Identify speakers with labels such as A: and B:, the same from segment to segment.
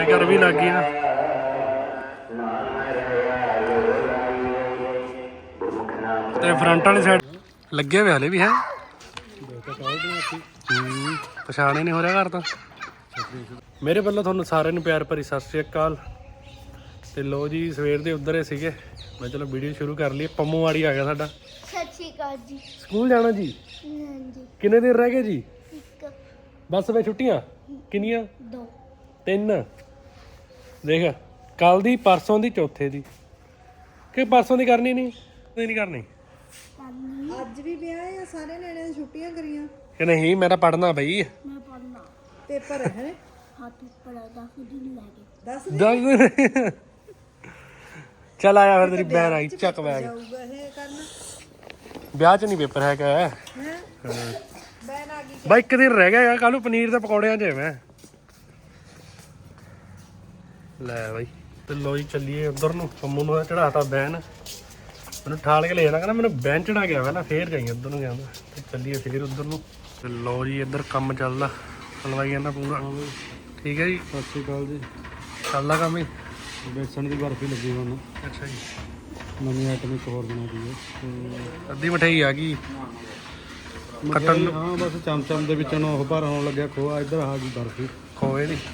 A: ਆਪਣੇ ਘਰ ਵੀ ਲੱਗ ਗਈਆਂ ਤੇ ਫਰੰਟ ਵਾਲੀ ਸਾਈਡ ਲੱਗੇ ਹੋਏ ਹਲੇ ਵੀ ਹੈ ਪਛਾਣ ਹੀ ਨਹੀਂ ਹੋ ਰਿਹਾ ਘਰ ਤਾਂ। ਮੇਰੇ ਵੱਲੋਂ ਤੁਹਾਨੂੰ ਸਾਰਿਆਂ ਨੂੰ ਪਿਆਰ ਭਰੀ ਸਤਿ ਸ਼੍ਰੀ ਅਕਾਲ। ਤੇ ਲੋ ਜੀ ਸਵੇਰ ਦੇ ਉੱਧਰ ਹੀ ਸੀਗੇ, ਮੈਂ ਚਲੋ ਵੀਡੀਓ ਸ਼ੁਰੂ ਕਰ ਲਈ। ਪੰਮੂਵਾੜੀ ਆ ਗਿਆ ਸਾਡਾ।
B: ਸਤਿ ਸ਼੍ਰੀ ਅਕਾਲ ਜੀ।
A: ਸਕੂਲ ਜਾਣਾ ਜੀ?
B: ਹਾਂਜੀ।
A: ਕਿੰਨੇ ਦਿਨ ਰਹਿ ਗਏ ਜੀ?
B: ਇੱਕ
A: ਬਸ ਵੇ ਛੁੱਟੀਆਂ ਕਿੰਨੀਆਂ?
B: 2
A: 3। ਦੇਖ ਕੱਲ ਦੀ, ਪਰਸੋਂ ਦੀ, ਚੌਥੇ ਦੀ। ਕਿ ਪਰਸੋਂ ਦੀ ਕਰਨੀ ਨਹੀਂ ਕਰਨੀ?
C: ਅੱਜ ਵੀ ਵਿਆਹ ਆ, ਸਾਰੇ ਨਿਆਣਿਆਂ ਦੀ ਛੁੱਟੀਆਂ ਕਰੀਆਂ
A: ਕਿ ਨਹੀਂ? ਮੈਂ ਤਾਂ ਪੜ੍ਹਨਾ ਬਈ।
B: ਮੈਂ ਪੜਨਾ
C: ਪੇਪਰ ਹੈ।
B: ਹਾਂ ਪੇਪਰ ਦਾ 10 ਦਿਨ ਲੱਗੇ।
C: 10
A: ਚੱਲ ਆਇਆ ਫਿਰ, ਤੇਰੀ ਬੈਨ ਆਈ ਚੱਕ ਬੈਗ।
C: ਜਾਊਗਾ ਇਹ ਕਰਨ
A: ਵਿਆਹ 'ਚ ਨਹੀਂ ਪੇਪਰ ਹੈਗਾ।
C: ਹੈ ਬੈਨ ਆ ਗਈ।
A: ਬਾਈ ਇੱਕ ਦਿਨ ਰਹਿ ਗਿਆ, ਕੱਲ ਨੂੰ ਪਨੀਰ ਦੇ ਪਕੌੜਿਆਂ 'ਚ ਮੈਂ ਲੈ ਬਾਈ। ਤੇ ਲੋ ਜੀ ਚੱਲੀਏ ਉਧਰ ਨੂੰ। ਪੰਮੂ ਨੂੰ ਚੜਾਤਾ ਬੈਨ, ਮੈਨੂੰ ਠਾਲ ਕੇ ਲੈ ਜਾਣਾ, ਕਹਿੰਦਾ ਮੈਨੂੰ ਬੈਨ ਚੜਾ ਗਿਆ ਪਹਿਲਾਂ ਫੇਰ ਜਾਈ ਉੱਧਰ ਨੂੰ ਕਹਿੰਦਾ। ਤੇ ਚੱਲੀਏ ਫੇਰ ਉੱਧਰ ਨੂੰ। ਤੇ ਲੋ ਜੀ ਇੱਧਰ ਕੰਮ ਚੱਲਦਾ ਹਲਵਾਈਆਂ ਦਾ ਪੂਰਾ। ਠੀਕ ਹੈ ਜੀ,
D: ਸਤਿ ਸ਼੍ਰੀ ਅਕਾਲ ਜੀ।
A: ਚੱਲਦਾ ਕੰਮ ਹੀ।
D: ਬੇਸਣ ਦੀ ਬਰਫੀ ਲੱਗੀ ਹੁਣ,
A: ਅੱਛਾ ਜੀ।
D: ਨਵੀਂ ਆਈਟਮ ਇੱਕ ਹੋਰ ਬਣਾਉਂਦੀ ਹੈ।
A: ਅੱਧੀ ਮਠਿਆਈ ਆ ਗਈ ਕੱਟਣ ਨੂੰ।
D: ਹਾਂ ਬਸ ਚਮਚਮ ਦੇ ਵਿੱਚੋਂ ਉਹ ਭਰ ਹੋਣ ਲੱਗਿਆ ਖੋਆ। ਇੱਧਰ ਆ ਗਈ ਬਰਫੀ
A: ਖੋਏ ਦੀ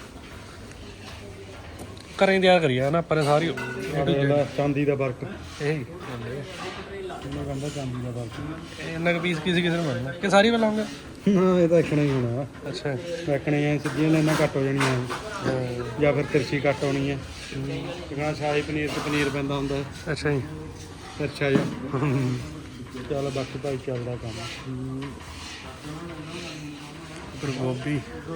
A: ਘਰੇ ਤਿਆਰ ਕਰੀ ਆ ਨਾ ਆਪਾਂ ਨੇ ਸਾਰੀ।
D: ਇਹਦਾ ਚਾਂਦੀ ਦਾ ਵਰਕ,
A: ਇਹ
D: ਇਹਨਾਂ ਕਹਿੰਦਾ ਚਾਂਦੀ ਦਾ ਵਰਕ।
A: ਇੰਨਾ ਕੁ ਪੀਸ ਕਿਸੇ ਨੂੰ ਮਿਲਣਾ ਕਿ ਸਾਰੀ ਬਣਾਉਂਗੇ?
D: ਨਾ ਇਹ ਤਾਂ ਇੱਕਣਾ ਹੀ ਹੋਣਾ।
A: ਅੱਛਾ।
D: ਇੱਕਣੇ ਐ ਸਿੱਧੀਆਂ ਲਾਈਨਾਂ ਕੱਟ ਹੋ ਜਾਣੀਆਂ ਜਾਂ ਫਿਰ ਤਿਰਛੀ ਕੱਟ ਹੋਣੀ ਹੈ। ਜਿਵੇਂ ਸ਼ਾਹੀ ਪਨੀਰ ਤੇ ਪਨੀਰ ਪੈਂਦਾ ਹੁੰਦਾ ਹੈ।
A: ਅੱਛਾ ਜੀ।
D: ਤਿਰਛਾ ਜਿਹਾ। ਚੱਲ ਬਾਕੀ ਭਾਈ ਚੱਲਦਾ ਕੰਮ।
A: ਫਿਰ ਗੋਭੀ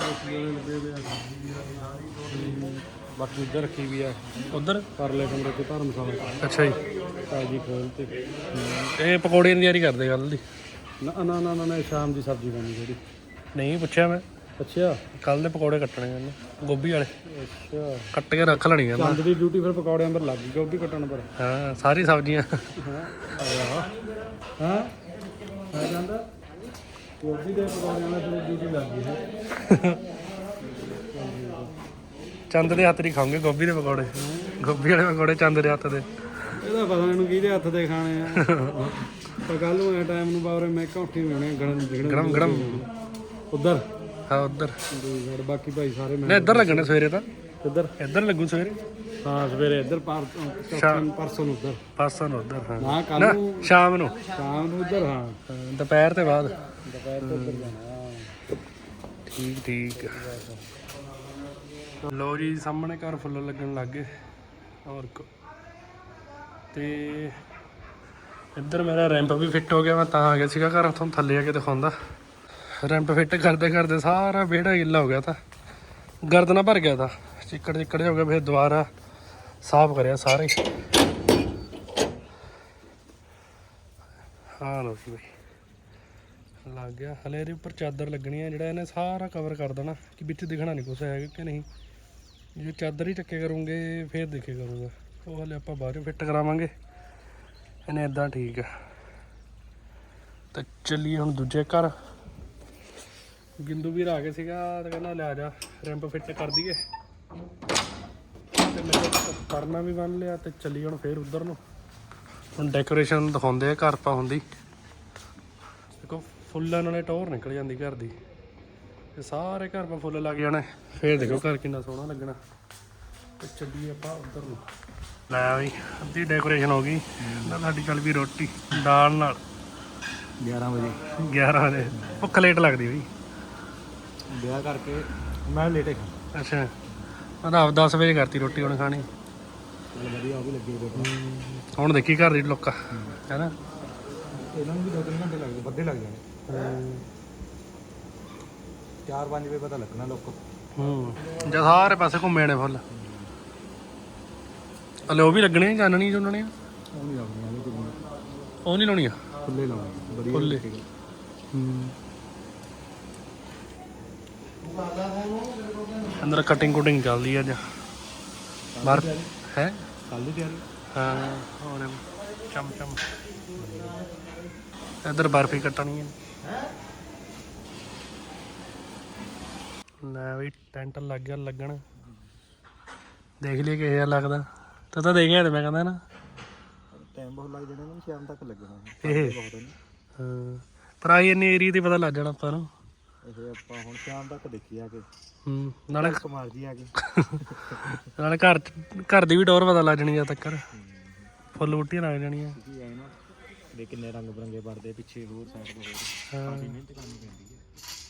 D: ਬਾਕੀ ਇੱਧਰ ਰੱਖੀ ਵੀ ਆ
A: ਉਧਰ
D: ਪਰਲੇ ਕਮਰੇ 'ਚ ਧਰਮ ਮਸਾਲਾ।
A: ਅੱਛਾ ਜੀ।
D: ਤਾਜੀ ਖੋਲ ਤੇ
A: ਇਹ ਪਕੌੜਿਆਂ ਦੀ ਤਿਆਰੀ ਕਰਦੇ ਕੱਲ ਦੀ?
D: ਨਾ ਨਾ ਨਾ ਨਾ ਸ਼ਾਮ ਦੀ ਸਬਜ਼ੀ ਬਣੀ ਜਿਹੜੀ।
A: ਨਹੀਂ ਪੁੱਛਿਆ ਮੈਂ।
D: ਅੱਛਾ
A: ਕੱਲ ਦੇ ਪਕੌੜੇ ਕੱਟਣੇ ਨੇ ਗੋਭੀ ਵਾਲੇ,
D: ਅੱਛਾ।
A: ਕੱਟ ਕੇ ਰੱਖ ਲੈਣੀ ਆ।
D: ਚੰਦ ਦੀ ਡਿਊਟੀ ਫਿਰ ਪਕੌੜਿਆਂ ਪਰ ਲੱਗ ਗਈ, ਗੋਭੀ ਕੱਟਣ ਪਰ।
A: ਹਾਂ ਸਾਰੀ ਸਬਜ਼ੀਆਂ।
D: ਹਾਂ ਆ ਜਾਂਦਾ ਗੋਭੀ ਦੇ ਪਕੌੜਿਆਂ ਨਾਲ ਫਿਰ ਡਿਊਟੀ ਲੱਗ ਗਈ ਹੈ।
A: ਚੰਦ ਦੇ ਹੱਥ ਦੀ ਖਾਓਗੇ ਗੋਭੀ ਦੇ ਪਕੌੜੇ। ਗੋਭੀ ਵਾਲੇ ਪਕੌੜੇ ਚੰਦ ਦੇ ਹੱਥ ਦੇ।
D: ਇਹਦਾ ਪਤਾ ਮੈਨੂੰ ਕਿਹਦੇ ਹੱਥ ਦੇ ਖਾਣੇ ਆ। ਪਰ ਕੱਲ ਨੂੰ ਇਹ ਟਾਈਮ ਨੂੰ ਬਾਰੇ ਮੈਂ ਘੌਂਟੀ ਮਿਲਣੇ
A: ਗਰਮ ਗਰਮ
D: ਉੱਧਰ।
A: ਹਾਂ ਉੱਧਰ।
D: ਬਾਕੀ ਭਾਈ ਸਾਰੇ
A: ਨਹੀਂ ਇੱਧਰ ਲੱਗਣੇ ਸਵੇਰੇ ਤਾਂ।
D: ਇੱਧਰ
A: ਇੱਧਰ ਲੱਗੂ ਸਵੇਰੇ।
D: ਹਾਂ ਸਵੇਰੇ ਇੱਧਰ ਪਰਸੋਂ ਨੂੰ ਉੱਧਰ।
A: ਪਾਸਾ ਨੂੰ ਉੱਧਰ। ਹਾਂ
D: ਨਾ ਕੱਲ
A: ਨਾ
D: ਨੂੰ
A: ਸ਼ਾਮ ਨੂੰ
D: ਉੱਧਰ। ਹਾਂ
A: ਦੁਪਹਿਰ ਤੇ ਬਾਅਦ।
D: ਦੁਪਹਿਰ ਤੋਂ ਉੱਧਰ ਜਾਣਾ।
A: ਠੀਕ। ਲੋ ਜੀ ਸਾਹਮਣੇ ਘਰ ਫੁੱਲ ਲੱਗਣ ਲੱਗ ਗਏ। ਹੋਰ ਤੇ ਇੱਧਰ ਮੇਰਾ ਰੈਂਪ ਵੀ ਫਿੱਟ ਹੋ ਗਿਆ। ਮੈਂ ਤਾਂ ਆ ਗਿਆ ਸੀਗਾ ਘਰ, ਤੁਹਾਨੂੰ ਥੱਲੇ ਆ ਕੇ ਦਿਖਾਉਂਦਾ। ਰੈਂਪ ਫਿੱਟ ਕਰਦੇ ਕਰਦੇ ਸਾਰਾ ਵਿਹੜਾ ਗਿੱਲਾ ਹੋ ਗਿਆ ਤਾਂ, ਗਰਦਨਾ ਭਰ ਗਿਆ ਤਾਂ, ਚਿੱਕੜ ਹੋ ਗਿਆ। ਫਿਰ ਦੁਬਾਰਾ ਸਾਫ਼ ਕਰਿਆ ਸਾਰੇ। ਹਾਂ ਲੋ ਜੀ ਬਈ ਲੱਗ ਗਿਆ। ਹਲੇ ਇਹਦੇ ਉੱਪਰ ਚਾਦਰ ਲੱਗਣੀ ਹੈ, ਜਿਹੜਾ ਇਹਨੇ ਸਾਰਾ ਕਵਰ ਕਰ ਦੇਣਾ ਕਿ ਵਿੱਚ ਦਿਖਣਾ ਨਹੀਂ ਕੁਛ ਹੈਗਾ ਕਿ ਨਹੀਂ। ਜੇ ਚਾਦਰ ਹੀ ਚੱਕੇ ਕਰੂੰਗੇ ਫਿਰ ਦੇਖੇ ਕਰੂੰਗਾ। ਉਹ ਹਲੇ ਆਪਾਂ ਬਾਹਰੋਂ ਫਿੱਟ ਕਰਾਵਾਂਗੇ ਇਹਨੇ। ਇੱਦਾਂ ਠੀਕ ਆ। ਤਾਂ ਚੱਲੀਏ ਹੁਣ ਦੂਜੇ ਘਰ। ਗਿੰਦੂ ਵੀਰ ਆ ਗਿਆ ਸੀਗਾ ਤਾਂ ਕਹਿੰਦਾ ਲੈ ਜਾ ਰੈਂਪ ਫਿੱਟ ਕਰ ਦਈਏ। ਤੇ ਮੈਂ ਪਰਨਾ ਵੀ ਬੰਨ ਲਿਆ ਤੇ ਚੱਲੀਏ ਹੁਣ ਫੇਰ ਉੱਧਰ ਨੂੰ। ਹੁਣ ਡੈਕੋਰੇਸ਼ਨ ਦਿਖਾਉਂਦੇ ਆ ਘਰ ਪਾ ਹੁੰਦੀ। ਦੇਖੋ ਫੁੱਲਾਂ ਨਾਲੇ ਟੌਰ ਨਿਕਲ ਜਾਂਦੀ ਘਰ ਦੀ। ਤੇ ਸਾਰੇ ਘਰ ਪਾ ਫੁੱਲ ਲੱਗ ਜਾਣੇ ਫੇਰ ਦੇਖੋ ਘਰ ਕਿੰਨਾ ਸੋਹਣਾ ਲੱਗਣਾ। ਤੇ ਚੱਲੀਏ ਆਪਾਂ ਉੱਧਰ ਨੂੰ। ਲੈ ਬਈ ਅੱਧੀ ਡੈਕੋਰੇਸ਼ਨ ਹੋ ਗਈ। ਸਾਡੀ ਚੱਲ ਵੀ ਰੋਟੀ ਦਾਲ ਨਾਲ
D: 11 ਵਜੇ
A: 11 ਵਜੇ। ਭੁੱਖ ਲੇਟ ਲੱਗਦੀ ਬਈ
D: ਵਿਆਹ ਕਰਕੇ। ਮੈਂ ਲੇਟੇ ਖਾਂ।
A: ਅੱਛਾ ਮੈਂ ਤਾਂ ਆਪ 10 ਵਜੇ ਕਰਤੀ ਰੋਟੀ ਹੁਣ ਖਾਣੀ।
D: ਵਧੀਆ ਉਹ ਵੀ ਲੱਗੀ ਹੋਈ।
A: ਹੁਣ ਦੇਖੀ ਘਰ ਦੀ ਲੁੱਕ ਹੈ ਨਾ।
D: ਇਹਨਾਂ ਨੂੰ ਵੀ 2-3 ਘੰਟੇ ਲੱਗਦੇ, ਵੱਧੇ ਲੱਗ ਜਾਣੇ। 4-5 ਵਜੇ ਪਤਾ ਲੱਗਣਾ ਲੋਕ।
A: ਜਾਂ ਸਾਰੇ ਪਾਸੇ ਘੁੰਮੇ ਨੇ ਫੁੱਲ। ਹਲੇ ਉਹ ਵੀ ਲੱਗਣੇ ਚਾਨਣੀ ਚੁੰਨਣੇ।
D: ਉਹ ਨਹੀਂ ਲਾਉਣੀ,
A: ਉਹ ਨਹੀਂ ਲਾਉਣੀ ਆ।
D: ਖੁੱਲੇ ਲਾਉਣੇ ਵਧੀਆ
A: ਖੁੱਲੇ। ਅੰਦਰ ਕਟਿੰਗ ਕੁਟਿੰਗ ਚੱਲਦੀ ਅੱਜ ਬਾਹਰ ਹੈ।
D: ਕੱਲ ਦੀ ਤਿਆਰੀ।
A: ਹਾਂ ਹੋਰ ਚਮ ਇੱਧਰ ਬਰਫੀ ਕੱਟਣੀ ਹੈ। ਲੈ ਬਈ ਟੈਂਟ ਲੱਗ ਗਿਆ ਲੱਗਣ। ਦੇਖ ਲਈ ਕਿਹੋ ਜਿਹਾ ਲੱਗਦਾ। ਤੂੰ ਤਾਂ ਦੇਖਿਆ ਤੇ ਮੈਂ ਕਹਿੰਦਾ ਨਾ
D: ਟਾਈਮ ਬਹੁਤ ਲੱਗ ਜਾਣਾ ਨਾ, ਸ਼ਾਮ ਤੱਕ ਲੱਗਣਾ
A: ਇਹ ਹਾਂ, ਪਰ ਆਈ ਇੰਨੀ ਏਰੀਆ ਤੇ ਪਤਾ ਲੱਗ ਜਾਣਾ ਆਪਾਂ ਨੂੰ।
D: ਇਹ ਆਪਾਂ ਹੁਣ ਸ਼ਾਮ ਤੱਕ ਦੇਖੀ ਆ ਕੇ
A: ਨਾਲੇ
D: ਕਮਾਲ ਜੀ ਆ ਕੇ
A: ਨਾਲੇ ਘਰ ਦੀ ਵੀ ਟੌਰ ਪਤਾ ਲੱਗ ਜਾਣੀ ਜਦ ਤੱਕ ਫੁੱਲ ਬੂਟੀਆਂ ਲੱਗ ਜਾਣੀਆਂ।
D: ਕੀ ਹੈ ਨਾ ਦੇ ਕਿੰਨੇ ਰੰਗ ਬਰੰਗੇ ਪੜਦੇ ਪਿੱਛੇ ਹੋਰ ਸਾਈਡ ਤੋਂ ਹੋਰ ਕਾਫੀ ਮਿਹਨਤ ਕਰਨੀ ਪੈਂਦੀ ਹੈ।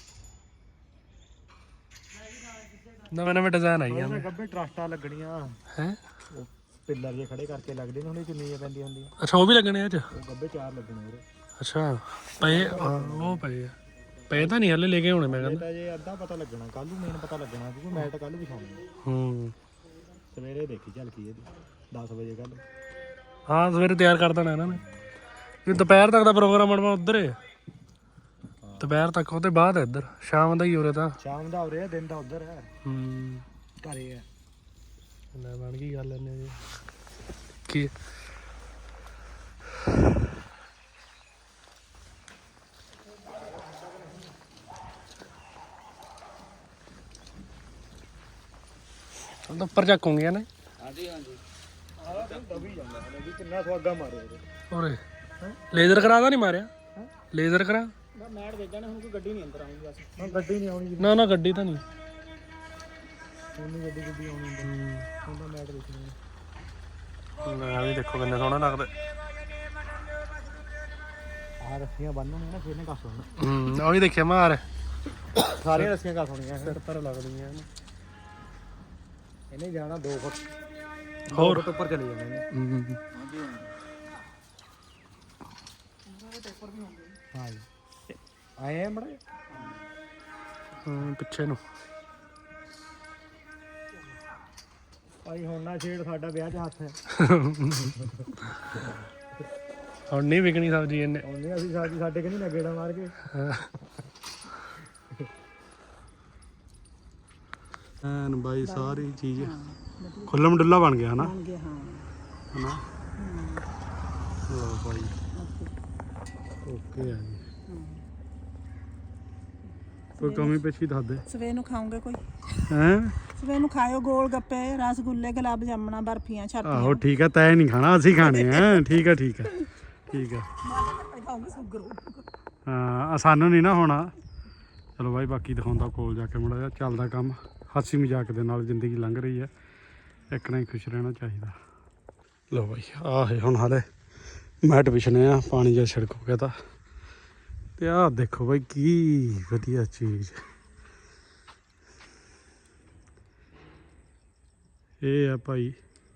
A: ਨਵੇਂ ਡਿਜ਼ਾਈਨ ਆਈ ਜਾਂਦੇ
D: ਗੱਬੇ ਟਰਸਟਾਂ ਲੱਗਣੀਆਂ
A: ਹੈ।
D: ਉਹ ਪਿੱਲਰ ਜੇ ਖੜੇ ਕਰਕੇ ਲੱਗਦੇ ਨੇ, ਉਹਨੇ ਚੁੰਨੀਆਂ ਪੈਂਦੀਆਂ ਹੁੰਦੀਆਂ।
A: ਅੱਛਾ ਉਹ ਵੀ ਲੱਗਣੇ ਆ ਚ।
D: ਉਹ ਗੱਬੇ 4 ਲੱਗਣੇ ਉਹਦੇ।
A: ਅੱਛਾ ਪਏ ਉਹ ਪਏ ਆ। ਪਏ ਤਾਂ ਨਹੀਂ ਹਲੇ ਲੈ ਕੇ ਆਉਣੇ ਮੈਂ ਕਹਿੰਦਾ।
D: ਤਾਂ ਜੇ ਅੱਧਾ ਪਤਾ ਲੱਗਣਾ ਕੱਲ ਨੂੰ, ਮੇਨ ਪਤਾ ਲੱਗਣਾ ਕਿਉਂਕਿ ਮੈਟ ਕੱਲ ਵਿਛਾਉਣੀ। ਸਵੇਰੇ ਦੇਖੀ ਝਲਕੀ ਇਹਦੀ 10 ਵਜੇ ਕੱਲ।
A: ਹਾਂ ਸਵੇਰੇ ਤਿਆਰ ਕਰ ਦੇਣਾ ਇਹਨਾਂ ਨੇ। ਇਹ ਦੁਪਹਿਰ ਤੱਕ ਦਾ ਪ੍ਰੋਗਰਾਮ ਬਣਵਾ ਉੱਧਰ ਹੈ। ਦੁਪਹਿਰ ਤੱਕ ਉਹਦੇ ਬਾਅਦ ਹੈ ਇੱਧਰ, ਸ਼ਾਮ ਦਾ ਹੀ ਉਰੇ ਤਾਂ।
D: ਸ਼ਾਮ ਦਾ ਉਰੇ, ਦਿਨ ਦਾ ਉੱਧਰ ਹੈ। ਘਰੇ ਹੈ।
A: ਲੈ ਬਣ ਗਈ ਗੱਲ ਇਹਨੇ ਜੀ ਕੀ ਤਾਂ ਉੱਪਰ ਚੱਕੂਗੀਆਂ ਨੇ।
D: ਹਾਂਜੀ ਹਾਂਜੀ ਦਬੀ ਜਾਂਦਾ ਹੈ ਵੀ ਕਿੰਨਾ ਸਵਾਗਾ ਮਾਰਿਆ ਉਹਦੇ।
A: ਉਰੇ ਲੇਜ਼ਰ ਕਰਾ ਦਾ ਨਹੀਂ ਮਾਰਿਆ? ਲੇਜ਼ਰ ਕਰਾ
D: ਮੈਟ ਵੇਚਣਾ ਹੁਣ ਕੋਈ ਗੱਡੀ ਨਹੀਂ ਅੰਦਰ ਆਉਂਦੀ ਬਸ। ਹਾਂ ਗੱਡੀ ਨਹੀਂ ਆਉਣੀ,
A: ਨਾ ਗੱਡੀ ਤਾਂ ਨਹੀਂ
D: ਉਹਨੀ ਗੱਡੀ ਆਉਣੀ ਹੁਣ ਤਾਂ ਮੈਟ ਵੇਚਣੀ।
A: ਆ ਵੀ ਦੇਖੋ ਕਿੰਨੇ ਸੋਹਣੇ ਲੱਗਦੇ।
D: ਆਹ ਰੱਸੀਆਂ ਬੰਨ੍ਹਣੀਆਂ ਨਾ ਫਿਰ ਨੇ ਕੱਸ ਹੋਣਾ।
A: ਉਹ ਵੀ ਦੇਖਿਆ ਮਾਰ
D: ਸਾਰੀਆਂ ਰੱਸੀਆਂ ਕੱਸ ਹੋਣੀਆਂ
A: ਸਿਰ ਪਰ ਲੱਗਦੀਆਂ
D: ਇਹਨੇ ਜਾਣਾ 2 ਫੁੱਟ
A: ਹੋਰ
D: ਉੱਪਰ ਚਲੇ ਜਾਣਾ ਇਹਨੇ। ਹਾਂ ਜੀ ਆਏ ਆ ਮੜੇ
A: ਪਿੱਛੇ ਨੂੰ
D: ਭਾਈ ਹੁਣ ਨਾ ਛੇੜ, ਸਾਡਾ ਵਿਆਹ 'ਚ ਹੱਥ ਹੈ।
A: ਹੁਣ ਨਹੀਂ ਵਿਕਣੀ ਸਬਜ਼ੀ ਇਹਨੇ।
D: ਹੁਣ ਨਹੀਂ ਅਸੀਂ ਸਬਜ਼ੀ ਸਾਡੇ ਕਿ ਨਹੀਂ ਨਾ ਗੇੜਾ ਮਾਰ ਕੇ। ਐਨ ਬਾਈ ਸਾਰੀ ਚੀਜ਼ ਖੁੱਲਮ ਡੁੱਲਾ ਬਣ ਗਿਆ ਹਨਾ। ਹਨਾ ਲਓ ਬਾਈ ਓਕੇ ਆ ਜੀ। ਕੋਈ ਕਮੀ ਪੇਸ਼ੀ ਦੱਸ ਦੇ।
C: ਸਵੇਰ ਨੂੰ ਖਾਓਗੇ ਕੋਈ?
D: ਹੈਂ
C: ਸਵੇਰ ਨੂੰ ਖਾਇਓ ਗੋਲ ਗੱਪੇ, ਰਸਗੁੱਲੇ, ਗੁਲਾਬ ਜਾਮਣਾ, ਬਰਫੀਆਂ, ਛਾਪੀਆਂ।
D: ਆਹੋ ਠੀਕ ਆ, ਤੈਂ ਨਹੀਂ ਖਾਣਾ, ਅਸੀਂ ਖਾਣੇ ਆ। ਠੀਕ ਆ ਠੀਕ ਆ ਠੀਕ ਆ। ਹਾਂ ਸਾਨੂੰ ਨਹੀਂ ਨਾ ਹੋਣਾ। ਚਲੋ ਬਾਈ ਬਾਕੀ ਦਿਖਾਉਂਦਾ ਕੋਲ ਜਾ ਕੇ ਮੁੜਾ ਜਿਹਾ ਚੱਲਦਾ ਕੰਮ। ਹਾਸੀ ਮਜ਼ਾਕ ਦੇ ਨਾਲ ਜ਼ਿੰਦਗੀ ਲੰਘ ਰਹੀ ਹੈ, ਇੱਕ ਨਾ ਹੀ ਖੁਸ਼ ਰਹਿਣਾ ਚਾਹੀਦਾ। ਲਓ ਬਾਈ ਆਹ ਹੈ ਹੁਣ ਹਾਲੇ ਮੈਟ ਵਿਛਣੇ ਆ, ਪਾਣੀ ਜਿਹਾ ਛਿੜਕ ਗਿਆ ਤਾਂ। ਤੇ ਆਹ ਦੇਖੋ ਬਾਈ ਕੀ ਵਧੀਆ ਚੀਜ਼ ਇਹ ਆ ਭਾਈ।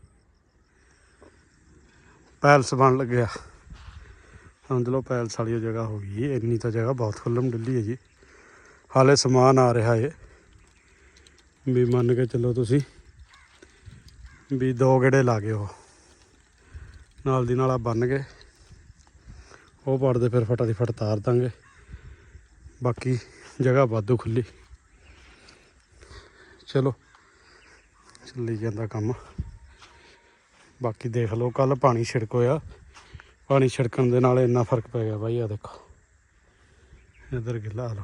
D: ਪੈਲਸ ਬਣ ਲੱਗਿਆ, ਸਮਝ ਲਓ ਪੈਲਸ ਵਾਲੀ ਜਗ੍ਹਾ ਹੋ ਗਈ। ਇੰਨੀ ਤਾਂ ਜਗ੍ਹਾ ਬਹੁਤ ਖੁੱਲ੍ਹਮ ਡੁੱਲੀ ਹੈ ਜੀ। ਹਾਲੇ ਸਮਾਨ ਆ ਰਿਹਾ ਏ ਵੀ ਮੰਨ ਕੇ ਚੱਲੋ ਤੁਸੀਂ ਵੀ 2 ਗੇੜੇ ਲਾ ਗਏ ਉਹ ਨਾਲ ਦੀ ਨਾਲ ਆ ਬੰਨ ਗਏ। ਉਹ ਪੜਦੇ ਫਿਰ ਫਟਾ ਦੀ ਫਟ ਤਾਰ ਦਾਂਗੇ। ਬਾਕੀ ਜਗ੍ਹਾ ਵਾਧੂ ਖੁੱਲੀ। ਚਲੋ ਚੱਲੀ ਜਾਂਦਾ ਕੰਮ। ਬਾਕੀ ਦੇਖ ਲਓ ਕੱਲ ਪਾਣੀ ਛਿੜਕ ਹੋਇਆ, ਪਾਣੀ ਛਿੜਕਣ ਦੇ ਨਾਲ ਇੰਨਾ ਫਰਕ ਪੈ ਗਿਆ ਬਾਈ। ਆ ਦੇਖੋ ਇੱਧਰ ਗਿੱਲਾ ਲਓ।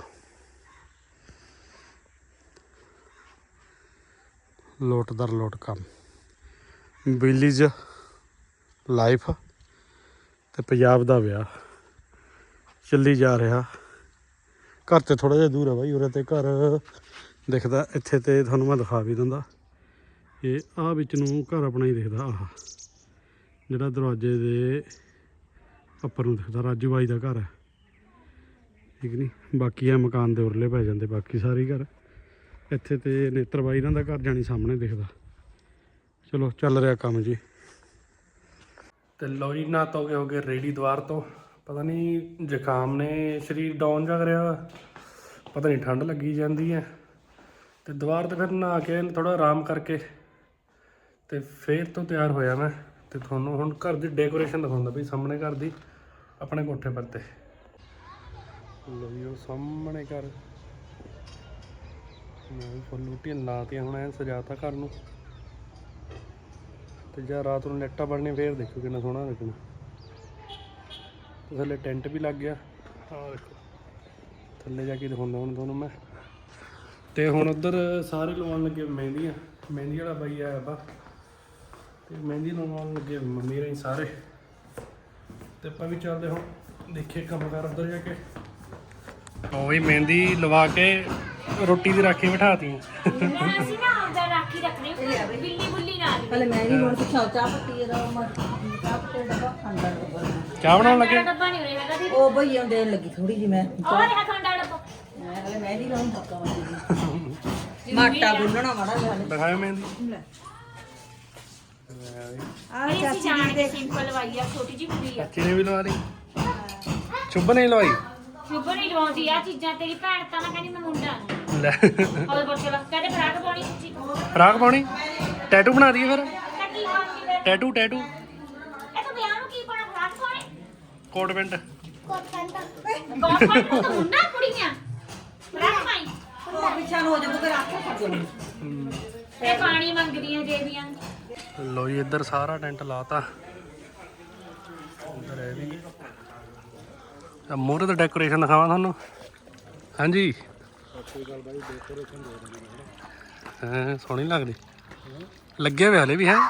D: ਲੋਟ ਦਰ ਲੋਟ ਕੰਮ, ਵਿਲੇਜ ਲਾਈਫ ਤੇ ਪੰਜਾਬ ਦਾ ਵਿਆਹ ਚੱਲੀ ਜਾ ਰਿਹਾ। ਘਰ ਤੇ ਥੋੜ੍ਹਾ ਜਿਹਾ ਦੂਰ ਹੈ ਬਾਈ, ਉਰੇ ਤੇ ਘਰ ਦਿਖਦਾ ਇੱਥੇ ਤੇ ਤੁਹਾਨੂੰ ਮੈਂ ਦਿਖਾ ਵੀ ਦਿੰਦਾ। ਇਹ ਆਹ ਵਿੱਚ ਨੂੰ ਘਰ ਆਪਣਾ ਹੀ ਦਿਖਦਾ। ਆਹ ਜਿਹੜਾ ਦਰਵਾਜ਼ੇ ਦੇ ਉੱਪਰ ਨੂੰ ਦਿਖਦਾ ਰਾਜੂ ਬਾਈ ਦਾ ਘਰ ਹੈ, ਠੀਕ ਨਹੀਂ। ਬਾਕੀ ਆ ਮਕਾਨ ਦੇ ਉਰਲੇ ਪੈ ਜਾਂਦੇ ਬਾਕੀ ਸਾਰੇ ਘਰ। ਇੱਥੇ ਤੇ ਨੇਤਰ ਬਾਈ ਇਹਨਾਂ ਦਾ ਘਰ ਜਾਣੀ ਸਾਹਮਣੇ ਦਿਖਦਾ। ਚਲੋ ਚੱਲ ਰਿਹਾ ਕੰਮ ਜੀ।
A: ਤੇ ਲਓ ਜੀ ਨਹਾ ਧੋ ਕੇ ਹੋ ਗਏ ਰੈਡੀ ਦੁਆਰ ਤੋਂ। ਪਤਾ ਨਹੀਂ ਜ਼ੁਕਾਮ ਨੇ ਸਰੀਰ ਡਾਊਨ ਜਾ ਕਰਿਆ, ਪਤਾ ਨਹੀਂ ਠੰਡ ਲੱਗੀ ਜਾਂਦੀ ਹੈ। ਤੇ ਦੁਆਰ ਤੇ ਫਿਰ ਨਹਾ ਕੇ ਥੋੜ੍ਹਾ ਆਰਾਮ ਕਰਕੇ ਤੇ ਫੇਰ ਤੋਂ ਤਿਆਰ ਹੋਇਆ ਮੈਂ। ਤੇ ਤੁਹਾਨੂੰ ਹੁਣ ਘਰ ਦੀ ਡੈਕੋਰੇਸ਼ਨ ਦਿਖਾਉਂਦਾ ਵੀ ਸਾਹਮਣੇ ਘਰ ਦੀ ਆਪਣੇ ਕੋਠੇ ਪਰ ਤੇ। ਲਓ ਜੀ ਉਹ ਸਾਹਮਣੇ ਘਰ ਮੈਂ ਫੁੱਲ ਬੂਟੀਆਂ ਲਾਤੀਆਂ, ਹੁਣ ਐਂ ਸਜਾਤਾ ਘਰ ਨੂੰ। ਤੇ ਜਾਂ ਰਾਤ ਨੂੰ ਲਾਈਟਾਂ ਬਣਨੀਆਂ ਫੇਰ ਦੇਖੋ ਕਿੰਨਾ ਸੋਹਣਾ ਲੱਗਣਾ। ਤੇ ਥੱਲੇ ਟੈਂਟ ਵੀ ਲੱਗ ਗਿਆ। ਆਹ ਦੇਖੋ ਥੱਲੇ ਜਾ ਕੇ ਦਿਖਾਉਂਦਾ ਹੁਣ ਤੁਹਾਨੂੰ ਮੈਂ। ਤੇ ਹੁਣ ਉੱਧਰ ਸਾਰੇ ਲਵਾਉਣ ਲੱਗੇ ਮਹਿੰਦੀਆਂ। ਮਹਿੰਦੀ ਵਾਲਾ ਬਾਈ ਆਇਆ ਵਾ ਤੇ ਮਹਿੰਦੀ ਲਵਾਉਣ ਲੱਗੇ ਮੰਮੀ ਰਹੀ ਸਾਰੇ ਤੇ ਆਪਾਂ ਵੀ ਚੱਲਦੇ ਹੁਣ ਦੇਖੀਏ ਕੰਮ ਕਰ ਉੱਧਰ ਜਾ ਕੇ। ਉਹ ਵੀ ਮਹਿੰਦੀ ਲਵਾ ਕੇ ਰੋਟੀ ਦੀ ਰਾਖੀ ਬਿਠਾਤੀ।
E: ਅਸੀਂ ਨਾ ਆਉਂਦਾ ਰਾਖੀ ਰੱਖਣੀ ਬਿੱਲੀ ਬੁੱਲੀ ਨਾਲ
C: ਹਲੇ ਮੈਂ ਨਹੀਂ ਹੁਣ ਚਾਹ ਪੱਤੀ ਦਾ ਚਾਹ ਪੱਤੀ ਦਾ ਡੱਬਾ ਖਾਂਦਾ ਡੱਬਾ
A: ਚਾਹ ਬਣਾਉਣ ਲੱਗੇ।
E: ਡੱਬਾ ਨਹੀਂ ਉਰੇ ਹੈਗਾ ਦੀ
C: ਉਹ ਭਈਆ ਦੇਣ ਲੱਗੀ ਥੋੜੀ ਜੀ ਮੈਂ
E: ਔਰ ਹੈ ਖੰਡਾ ਡੱਬਾ
C: ਮੈਂ ਹਲੇ ਮੈਂ ਨਹੀਂ ਲਾਉਂ ਪੱਕਾ ਵਾਲੀ ਮਾਟਾ ਗੁੰਨਣਾ ਮਾੜਾ ਜਿਹਾ ਹਲੇ
A: ਦਿਖਾਓ ਮਹਿੰਦੀ।
C: ਆ
E: ਇਹ ਅਸੀਂ ਜਾਣ ਕੇ ਸਿੰਪਲ ਲਵਾਈ ਆ ਛੋਟੀ ਜਿਹੀ ਕੁੜੀ ਆ
A: ਚਾਚੀ ਨੇ ਵੀ ਲਵਾ ਲਈ। ਚੁੱਭ ਨਹੀਂ ਲਵਾਈ
E: ਸ਼ੁਭ ਨਹੀਂ ਲਵਾਉਂਦੀ ਆ ਚੀਜ਼ਾਂ ਤੇਰੀ ਭੈਣ ਤਾਂ ਨਾ ਕਹਿੰਦੀ ਮੈਂ ਮੁੰਡਾ ਨੂੰ
A: ਲੈ
E: ਉਹਦੇ ਬੱਚੇ ਲੱਗ ਕਹਿੰਦੇ ਫਰਾਕ ਪਾਉਣੀ ਸੱਚੀ
A: ਫਰਾਕ ਪਾਉਣੀ ਟੈਟੂ ਬਣਾ ਦਈਏ ਫਿਰ।
E: ਤਾਂ ਕੀ ਖਾਂਦੀ ਫਿਰ
A: ਟੈਟੂ ਟੈਟੂ
E: ਇਹ ਤਾਂ ਵਿਆਹ ਨੂੰ ਕੀ ਪਾਉਣਾ ਫਰਾਕ ਪਾਉਣੀ
A: ਕੋਟ ਪੈਂਟ।
E: ਗੌਰਮੈਂਟ ਨੂੰ ਤਾਂ ਮੁੰਡਾ ਕੁੜੀਆਂ ਫਰਾਕ ਪਾਈ
C: ਉਹ ਪਿੱਛਾ ਨੂੰ ਹੋ ਜਾਊਗਾ ਫਿਰ ਆਖੇ ਖੜ ਜਾਊ
E: ਇਹ ਪਾਣੀ ਮੰਗਦੀਆਂ ਦੇਵੀਆਂ
A: ਲੋ ਜੀ ਇੱਧਰ ਸਾਰਾ ਟੈਂਟ ਲਾਤਾ। ਇੱਧਰ ਇਹ ਵੀ ਮੂਹਰੇ ਤੇ ਡੈਕੋਰੇਸ਼ਨ ਦਿਖਾਵਾਂ ਤੁਹਾਨੂੰ। ਹਾਂਜੀ ਹਾਂ ਸੋਹਣੀ ਲੱਗਦੀ ਲੱਗੇ ਹੋਏ ਹਲੇ ਵੀ ਹੈ।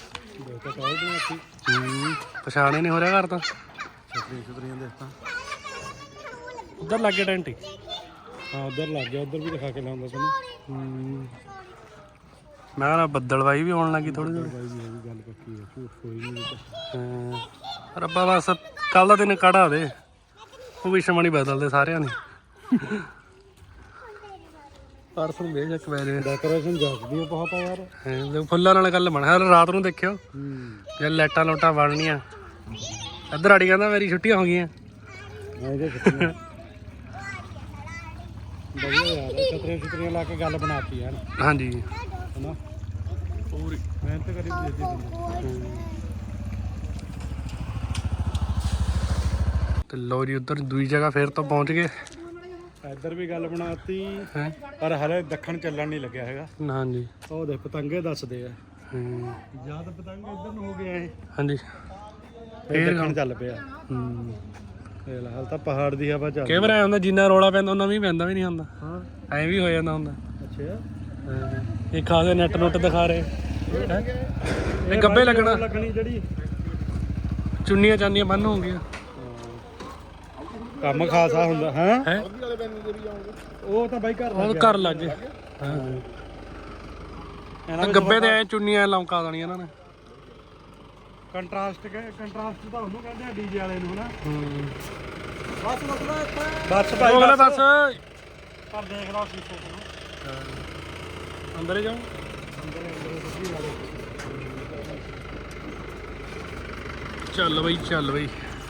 A: ਪਛਾਣੇ ਨਹੀਂ ਹੋ ਰਿਹਾ ਘਰ ਤਾਂ ਉੱਧਰ ਲੱਗੇ ਟੈਂਟ ਹੀ।
D: ਹਾਂ ਉਧਰ ਲੱਗ ਗਿਆ, ਉਧਰ ਵੀ ਦਿਖਾ ਕੇ ਲਾਉਂਦਾ ਤੁਹਾਨੂੰ।
A: ਮੈਂ ਕਹਿੰਦਾ ਬੱਦਲਵਾਈ ਵੀ ਆਉਣ ਲੱਗੀ ਥੋੜੀ ਥੋੜੀ।
D: ਬਾਈ ਜੀ ਇਹ ਵੀ ਗੱਲ ਪੱਕੀ ਹੈ, ਝੂਠ ਕੋਈ ਨਹੀਂ।
A: ਰੱਬਾ ਬਸ ਕੱਲ ਦਾ ਦਿਨ ਕੜਾ ਦੇ ਭਵਿੱਖਬਾਣੀ ਬਦਲਦੇ ਸਾਰਿਆਂ ਨੇ। ਪਰਸੋਂ ਵੇਖ ਇੱਕ ਵੈਰੇ
D: ਡੈਕੋਰੇਸ਼ਨ ਜੱਜਦੀ ਹੈ ਬਹੁਤ ਯਾਰ।
A: ਫੁੱਲਾਂ ਨਾਲ ਗੱਲ ਬਣ ਹਰ ਰਾਤ ਨੂੰ ਦੇਖਿਓ ਜੇ ਲਾਈਟਾਂ ਲੋਟਾਂ ਬਣਨੀਆਂ। ਇੱਧਰ ਆੜੀ ਕਹਿੰਦਾ ਮੇਰੀ ਛੁੱਟੀਆਂ ਹੋ ਗਈਆਂ।
D: ਇਹਦੇ ਛੁੱਟੀਆਂ ਵਧੀਆ ਯਾਰ, ਛਤਰੀਆਂ ਲਾ ਕੇ ਗੱਲ ਬਣਾਤੀ ਯਾਰ
A: ਹਾਂਜੀ
D: ਹਨਾ। ਪੂਰੀ ਮਿਹਨਤ ਕਰੀ ਦਿੱਤੀ।
A: ਤੇ ਲੋ ਜੀ ਉੱਧਰ ਦੂਜੀ ਜਗ੍ਹਾ ਫੇਰ ਤੋਂ ਪਹੁੰਚ ਗਏ।
D: ਇੱਧਰ ਵੀ ਗੱਲ ਬਣਾਤੀ
A: ਹੈ
D: ਪਰ ਹਲੇ ਦੱਖਣ ਚੱਲਣ ਨਹੀਂ ਲੱਗਿਆ ਹੈਗਾ।
A: ਹਾਂਜੀ
D: ਉਹ ਦੇਖ ਪਤੰਗੇ ਦੱਸਦੇ ਆ ਜਾਂ ਤਾਂ ਪਤੰਗ ਇੱਧਰ ਨੂੰ ਹੋ ਗਿਆ ਇਹ
A: ਹਾਂਜੀ
D: ਫੇਰ ਦੱਖਣ ਚੱਲ ਪਿਆ। ਇਹ ਹਾਲ ਤਾਂ ਪਹਾੜ ਦੀ ਹਵਾ ਚੱਲ।
A: ਕਈ ਵਾਰ ਐ ਹੁੰਦਾ ਜਿੰਨਾ ਰੌਲਾ ਪੈਂਦਾ ਉਹਨਾਂ ਵੀ ਪੈਂਦਾ ਵੀ ਨਹੀਂ ਹੁੰਦਾ।
D: ਹਾਂ
A: ਐਂ ਵੀ ਹੋ ਜਾਂਦਾ ਹੁੰਦਾ।
D: ਅੱਛਾ
A: ਇਹ ਖਾਸੇ ਨੈਟ ਨੁੱਟ ਦਿਖਾ ਰਹੇ ਹੈਂ? ਇਹ ਗੱਬੇ ਲੱਗਣਾ
D: ਲੱਗਣੀ ਜਿਹੜੀ
A: ਚੁੰਨੀਆਂ ਚਾਨੀਆਂ ਬੰਨ ਹੋ ਗਈਆਂ
D: ਕੰਮ ਖਾਸਾ ਹੁੰਦਾ ਹੈ।
A: ਹੈ
D: ਉਹ ਤਾਂ ਬਾਈ ਘਰ
A: ਉਹ ਘਰ ਲੱਗ ਗਏ। ਹਾਂ ਗੱਬੇ ਤੇ ਐ ਚੁੰਨੀਆਂ ਲੌਂਕਾ ਦੇਣੀਆਂ ਇਹਨਾਂ ਨੇ।
D: ਕੰਟਰਾਸਟ ਤਾਂ ਉਹਨੂੰ ਕਹਿੰਦੇ ਆ ਡੀਜੇ ਵਾਲੇ ਨੂੰ ਹਨਾ।
C: ਬਸ ਮਤਲਬ ਇੱਥੇ
D: ਬਸ
A: ਉਹ ਅਗਲਾ ਬਸ
D: ਪਰ ਦੇਖ ਲਓ ਸ਼ੀਸ਼ੇ ਤੋਂ
A: ਅੰਦਰ ਹੀ ਜਾਓ। ਚੱਲ ਬਈ ਚੱਲ ਬਈ।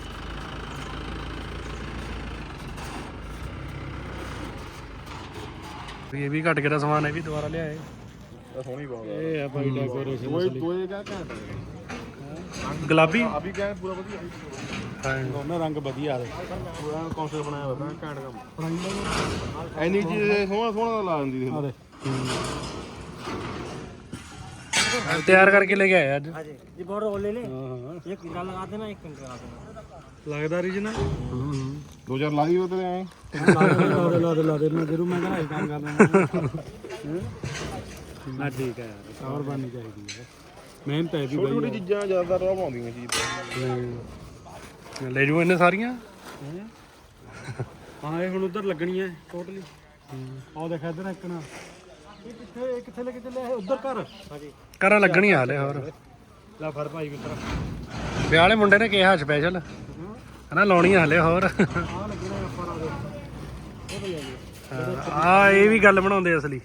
A: ਇਹ ਵੀ ਘਟ ਗਿਆ ਸਮਾਨ, ਇਹ ਵੀ ਦੁਬਾਰਾ ਲਿਆਏ।
F: ਸੋਹਣੀ ਬਹੁਤ
D: ਇਹ ਆ ਬਾਈ ਡੈਕੋਰੇਸ਼ਨ
F: ਦੋਏ ਕਾ ਘੈਂਟ
A: ਗੁਲਾਬੀ
F: ਅਭੀ ਕਾ ਪੂਰਾ ਵਧੀਆ
A: ਹਾਂ
D: ਦੋਨੇ ਰੰਗ ਵਧੀਆ ਆ
F: ਪੂਰਾ ਕੌਂਸਲ ਬਣਾਇਆ ਹੋਇਆ ਘੈਂਟ ਕੰਮ ਐਨੀ ਚੀਜ਼ ਸੋਹਣਾ ਸੋਹਣਾ ਲਾ ਦਿੰਦੀ ਸੀ
D: ਆਦੇ
A: ਤਿਆਰ ਕਰਕੇ ਲੈ ਕੇ ਆਏ ਅੱਜ।
C: ये बहुत रोल ले ले
D: ਹਾਂ
C: एक कंकरा लगा देना एक कंकरा लगा देना
D: ਲੱਗਦਾ ਰੀਜਨਲ
F: 2000 ਲਾ ਦੀ ਉਹਦੇ ਐ
D: ਲਾ ਦੇ ਮੈਂ ਜਰੂਰ ਮੈਂ ਕਹਿੰਦਾ ਇਹ ਕੰਮ ਕਰਨਾ ਨਾ ਠੀਕ ਹੈ ਯਾਰ ਕਵਰ ਬਣਨੀ ਚਾਹੀਦੀ ਹੈ ਮਿਹਨਤ ਹੈ ਵੀ
F: ਛੋਟੀ ਛੋਟੀ
D: ਬਾਈ
F: ਚੀਜ਼ਾਂ ਜ਼ਿਆਦਾ ਰੋਹ ਪਾਉਂਦੀਆਂ ਚੀਜ਼
A: ਲੈ ਜੂ ਇਹਨੇ ਸਾਰੀਆਂ।
D: ਹਾਂ ਇਹ ਹੁਣ ਉਧਰ ਲੱਗਣੀ ਹੈ ਟੋਟਲੀ। ਆਹ ਦੇਖ ਇਧਰ ਇੱਕ ਨਾ ਇਹ ਕਿੱਥੇ ਲੈ ਕੇ ਚੱਲਿਆ ਉਧਰ ਘਰ ਹਾਂਜੀ
A: ਘਰਾਂ ਲੱਗਣੀਆਂ ਹਾਲੇ ਹੋਰ।
D: ਲੈ ਫੜ ਭਾਈ ਮਿੱਤਰ
A: ਵਿਆਹ ਵਾਲੇ ਮੁੰਡੇ ਨੇ ਕਿਹਾ ਸਪੈਸ਼ਲ ਹਨਾ ਲਾਉਣੀਆਂ ਹਲੇ ਹੋਰ।
D: ਆਹ ਲੱਗਣਾ ਆਪਾਂ ਨਾਲ ਉਹ ਭਈ ਆ
A: ਆ ਇਹ ਵੀ ਗੱਲ ਬਣਾਉਂਦੇ ਅਸਲੀ।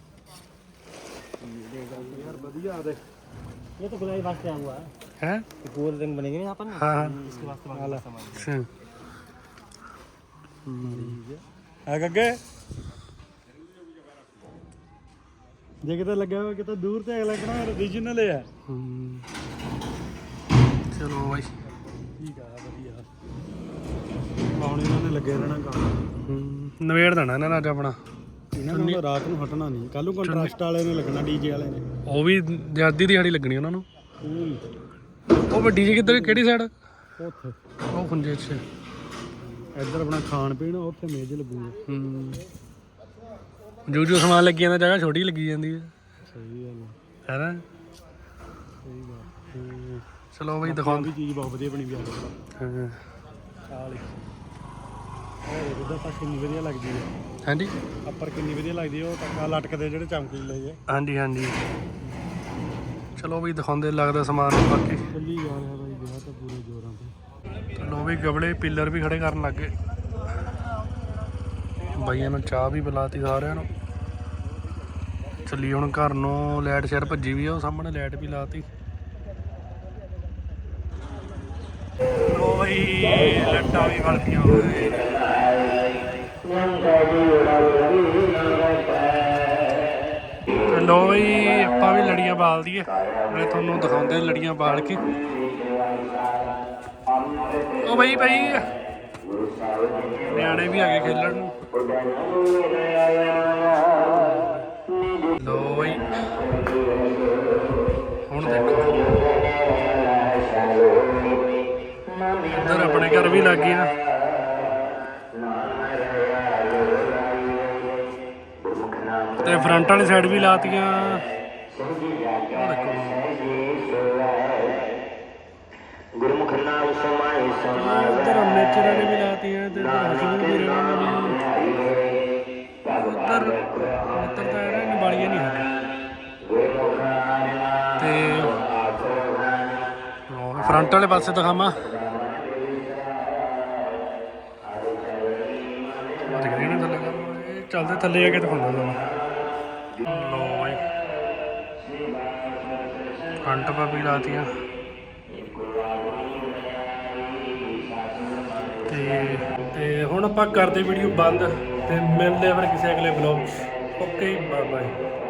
D: ਯਾਰ ਵਧੀਆ ਦੇ
C: ये तो गुलाबी वास्ते आया हुआ है
A: ਹੈ
C: गोल रंग बनेंगे ना यहाँ पर ना
A: ਹਾਂ ਹਾਂ
C: इसके वास्ते वाला सामान
A: ਅੱਛਾ।
D: ਆ ਗੱਗੇ ਜੇ ਕਿਤੇ ਲੱਗਿਆ ਹੋਇਆ ਕਿਤੇ ਦੂਰ ਤੇ ਲੱਗਣਾ ਰੀਜਨਲ ਹੈ।
A: ਚਲੋ ਬਾਈ
D: ਠੀਕ ਆ ਵਧੀਆ ਹੁਣ ਇਹਨਾਂ ਨੇ ਲੱਗੇ ਰਹਿਣਾ ਕੰਮ।
A: ਨਵੇੜ ਦੇਣਾ ਇਹਨਾਂ ਨੇ ਅੱਜ ਆਪਣਾ।
D: ਇਹਨਾਂ ਨੂੰ ਰਾਤ ਨੂੰ ਹਟਣਾ ਨਹੀਂ। ਕੱਲ ਨੂੰ ਕੰਟਰਾਸਟ ਵਾਲੇ ਨੇ ਲੱਗਣਾ ਡੀਜੇ ਵਾਲੇ ਨੇ।
A: ਉਹ ਵੀ ਅੱਧੀ ਦਿਹਾੜੀ ਲੱਗਣੀ ਉਹਨਾਂ ਨੂੰ। ਉਹ ਵੱਡੀ ਜੀ ਕਿੱਧਰ ਕਿਹੜੀ ਸਾਈਡ?
D: ਉੱਥੇ
A: ਉਹ ਖੁੰਝੇ 'ਚ।
D: ਇੱਧਰ ਆਪਣਾ ਖਾਣ ਪੀਣ ਉੱਥੇ ਮੇਜ਼ ਲੱਗੂਗੀ।
A: ਜੋ ਜੋ ਸਮਾਨ ਲੱਗੀ ਜਾਂਦਾ ਜਗ੍ਹਾ ਛੋਟੀ ਲੱਗੀ ਜਾਂਦੀ ਹੈ।
D: ਸਹੀ ਗੱਲ
A: ਹੈ ਨਾ।
D: ਸਹੀ ਗੱਲ
A: ਚਲੋ ਬਈ ਦਿਖਾਉਂਦੇ।
D: ਚੀਜ਼ ਬਹੁਤ ਵਧੀਆ ਬਣੀ ਵੀ ਆ
A: ਹਾਂ
D: ਚਾਲ ਉਹ ਉਹਦਾ ਤਾਂ ਕਿੰਨੀ ਵਧੀਆ ਲੱਗਦੀ ਹੈ
A: ਹਾਂਜੀ
D: ਅੱਪਰ ਕਿੰਨੀ ਵਧੀਆ ਲੱਗਦੀ ਹੈ ਉਹ ਟੱਕਾ ਲਟਕਦੇ ਜਿਹੜੇ ਚਮਕੀਲੇ ਜੇ
A: ਹਾਂਜੀ ਹਾਂਜੀ। ਚਲੋ ਬਈ ਦਿਖਾਉਂਦੇ ਲੱਗਦਾ ਸਮਾਨ ਨੂੰ ਬਾਕੀ।
D: ਚੱਲੀ ਜਾ ਰਿਹਾ ਬਾਈ ਵਿਆਹ ਤਾਂ ਪੂਰੇ ਜ਼ੋਰਾਂ ਤੇ।
A: ਚਲੋ ਵੀ ਗਬਲੇ ਪਿੱਲਰ ਵੀ ਖੜੇ ਕਰਨ ਲੱਗ ਗਏ। ਬਾਈਆਂ ਨੂੰ ਚਾਹ ਵੀ ਪਿਲਾਤੀ ਸਾਰਿਆਂ ਨੂੰ। ਚੱਲੀ ਹੁਣ ਘਰ ਨੂੰ। ਲਾਈਟ ਸ਼ਹਿਰ ਭੱਜੀ ਵੀ ਆ, ਉਹ ਸਾਹਮਣੇ ਲਾਈਟ ਵੀ ਲਾਤੀ। ਲੋ ਬਈ ਲੱਟਾਂ ਵੀ ਵਲਦੀਆਂ ਹੋਏ। ਲੋ ਬਈ ਆਪਾਂ ਵੀ ਲੜੀਆਂ ਬਾਲ ਦਈਏ। ਮੈਂ ਤੁਹਾਨੂੰ ਦਿਖਾਉਂਦੇ ਲੜੀਆਂ ਬਾਲ ਕੇ। ਉਹ ਬਈ ਨਿਆਣੇ ਵੀ ਆ ਗਏ ਖੇਲਣ ਨੂੰ। ਲੋ ਬਈ ਹੁਣ ਦੇਖੋ ਇੱਧਰ ਆਪਣੇ ਘਰ ਵੀ ਲੱਗ ਗਈਆਂ। ਤੇ ਫਰੰਟ ਵਾਲੀ ਸਾਈਡ ਵੀ ਲਾਤੀਆਂ। ਉਹ ਦੇਖੋ ਇੱਧਰ ਨੇਚਰਾਂ ਨੇ ਵੀ ਲਾਤੀਆਂ ਤੇ ਇੱਧਰ ਹਸਬੀਰ ਵੀ ਰਹਿਣਾ ਵੀ। ਉੱਧਰ ਤਾਂ ਇਹਨਾਂ ਨੇ ਬਾਲੀਆਂ ਨਹੀਂ ਹਲੇ। ਤੇ ਫਰੰਟ ਵਾਲੇ ਪਾਸੇ ਦਿਖਾਵਾਂ। ਚੱਲਦੇ ਥੱਲੇ ਆ ਕੇ ਦਿਖਾਉਂਦਾ ਤੁਹਾਨੂੰ। ਲੋ ਬਾਈ ਫਰੰਟ ਪਾ ਵੀ ਲਾਤੀਆਂ। ਤੇ ਹੁਣ ਆਪਾਂ ਕਰਦੇ ਵੀਡੀਓ ਬੰਦ ਤੇ ਮਿਲਦੇ ਆ ਫਿਰ ਕਿਸੇ ਅਗਲੇ ਵਲੌਗ 'ਚ। Okay bye bye.